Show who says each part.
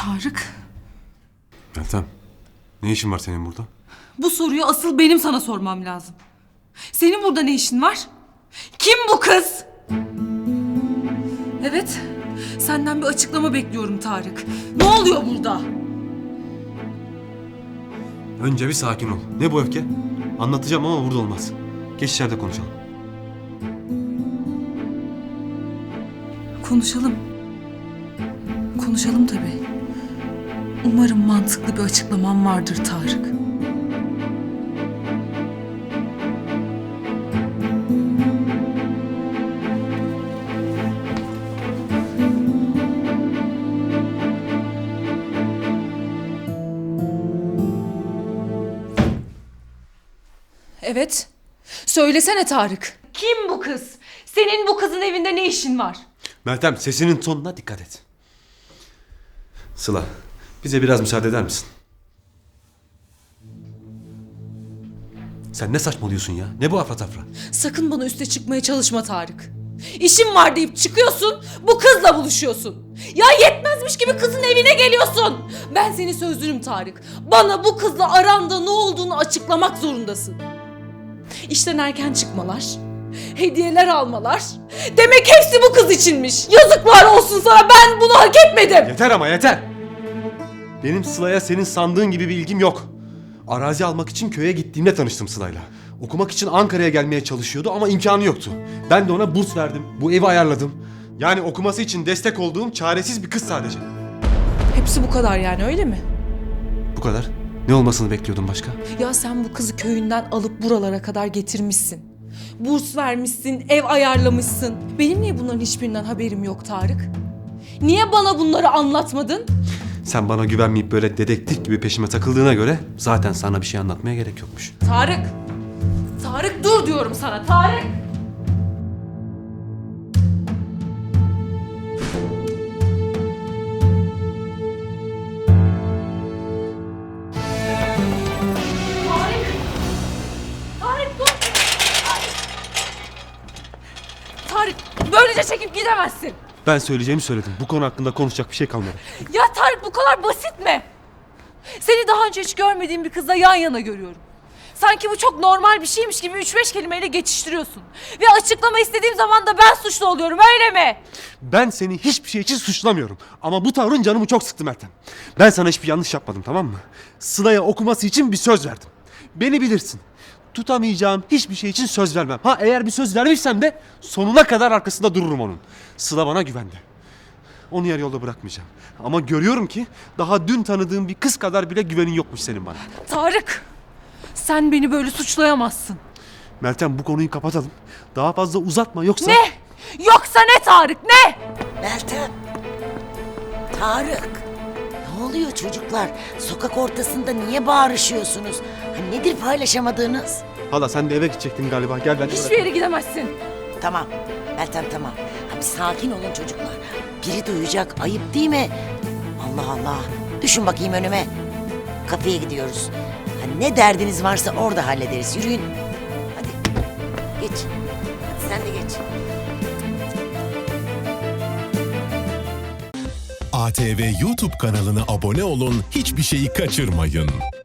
Speaker 1: Tarık,
Speaker 2: Meltem, ne işin var senin burada?
Speaker 1: bu soruyu asıl benim sana sormam lazım. Senin burada ne işin var? Kim bu kız? Evet, senden bir açıklama bekliyorum Tarık. Ne oluyor burada?
Speaker 2: Önce bir sakin ol. Ne bu öfke? Anlatacağım ama burada olmaz. Geç içeride konuşalım.
Speaker 1: Konuşalım. Konuşalım tabii. Umarım mantıklı bir açıklaman vardır Tarık. Evet. Söylesene Tarık. Kim bu kız? Senin bu kızın evinde ne işin var?
Speaker 2: Meltem, sesinin tonuna dikkat et. Sıla, bize biraz müsaade eder misin? Sen ne saçmalıyorsun ya? Ne bu afra?
Speaker 1: Sakın bana üste çıkmaya çalışma Tarık. İşim var deyip çıkıyorsun, bu kızla buluşuyorsun. Ya yetmezmiş gibi kızın evine geliyorsun. Ben senin sözlünüm Tarık. Bana bu kızla aranda ne olduğunu açıklamak zorundasın. İşten erken çıkmalar, hediyeler almalar. Demek hepsi bu kız içinmiş. Yazıklar olsun sana, ben bunu hak etmedim.
Speaker 2: Yeter ama yeter! Benim Sıla'ya senin sandığın gibi bir ilgim yok. Arazi almak için köye gittiğimde tanıştım Sıla'yla. Okumak için Ankara'ya gelmeye çalışıyordu ama imkanı yoktu. Ben de ona burs verdim, bu evi ayarladım. Yani okuması için destek olduğum çaresiz bir kız sadece.
Speaker 1: Hepsi bu kadar yani, öyle mi?
Speaker 2: Bu kadar. Ne olmasını bekliyordun başka?
Speaker 1: Ya sen bu kızı köyünden alıp buralara kadar getirmişsin. Burs vermişsin, ev ayarlamışsın. Benim niye bunların hiçbirinden haberim yok Tarık? Niye bana bunları anlatmadın?
Speaker 2: Sen bana güvenmeyip böyle dedektif gibi peşime takıldığına göre zaten sana bir şey anlatmaya gerek yokmuş.
Speaker 1: Tarık! Tarık dur diyorum sana, Tarık! Tarık dur! Tarık, böylece çekip gidemezsin.
Speaker 2: Ben söyleyeceğimi söyledim. Bu konu hakkında konuşacak bir şey kalmadı.
Speaker 1: Ya Tarık, bu kadar basit mi? Seni daha önce hiç görmediğim bir kızla yan yana görüyorum. Sanki bu çok normal bir şeymiş gibi 3-5 kelimeyle geçiştiriyorsun. Ve açıklama istediğim zaman da ben suçlu oluyorum, öyle mi?
Speaker 2: Ben seni hiçbir şey için suçlamıyorum. Ama bu tavrın canımı çok sıktı Meltem. Ben sana hiçbir yanlış yapmadım, tamam mı? Sıla'ya okuması için bir söz verdim. Beni bilirsin. Tutamayacağım hiçbir şey için söz vermem. Ha, eğer bir söz vermişsem de sonuna kadar arkasında dururum onun. Sıla bana güvendi. Onu yarı yolda bırakmayacağım. Ama görüyorum ki daha dün tanıdığım bir kız kadar bile güvenin yokmuş senin bana.
Speaker 1: Tarık, sen beni böyle suçlayamazsın.
Speaker 2: Meltem, bu konuyu kapatalım. Daha fazla uzatma, yoksa...
Speaker 1: Ne? Yoksa ne Tarık, ne?
Speaker 3: Meltem. Tarık. Ne oluyor çocuklar? Sokak ortasında niye bağırışıyorsunuz? Ha, nedir paylaşamadığınız?
Speaker 2: Hala sen de eve gidecektin galiba. Gel ben de
Speaker 1: Hiçbir yere gidemezsin.
Speaker 3: Tamam. Meltem tamam. Ha, bir sakin olun çocuklar. Biri duyacak. Ayıp değil mi? Allah Allah. Düşün bakayım önüme. Kafeye gidiyoruz. Ha, ne derdiniz varsa orada hallederiz. Yürüyün. Hadi. Geç. Hadi sen de geç.
Speaker 4: ATV YouTube kanalına abone olun, hiçbir şeyi kaçırmayın.